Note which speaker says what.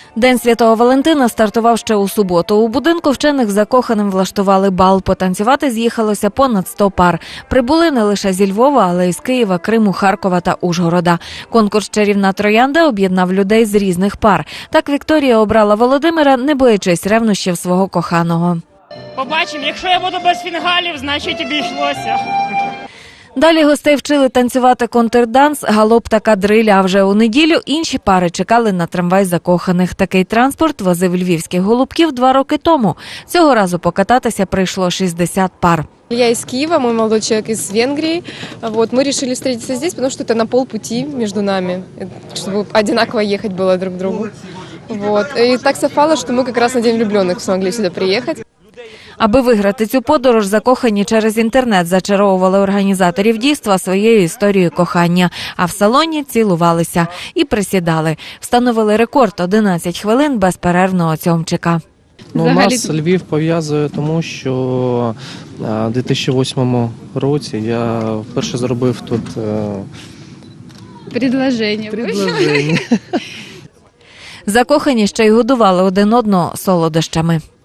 Speaker 1: День Святого Валентина стартував ще у суботу. У будинку вчених закоханим влаштували бал. Потанцювати з'їхалося понад 100 пар. Прибули не лише зі Львова, але й з Києва, Криму, Харкова та Ужгорода. Конкурс «Чарівна троянда» об'єднав людей з різних пар. Так Вікторія обрала Володимира, не боячись ревнощів свого коханого.
Speaker 2: Побачимо, якщо я буду без фінгалів, значить обійшлося.
Speaker 1: Далі гостей вчили танцювати контрданс, галоп та кадриль, а вже у неділю інші пари чекали на трамвай закоханих. Такий транспорт возив львівських голубків 2 роки тому. Цього разу покататися прийшло 60 пар.
Speaker 3: Я из Киева, мой молодой человек из Венгрии. Мы решили встретиться здесь, потому что это на полпути между нами, чтобы одинаково ехать было друг к другу. И так совпало, что мы как раз на День влюбленных смогли сюда приехать.
Speaker 1: Аби виграти цю подорож, закохані через інтернет зачаровували організаторів дійства своєю історією кохання. А в салоні цілувалися і присідали. Встановили рекорд – 11 хвилин безперервного цьомчика.
Speaker 4: Нас Львів пов'язує тому, що у 2008 році я вперше зробив тут
Speaker 5: предложення.
Speaker 1: Закохані ще й годували один одного солодощами.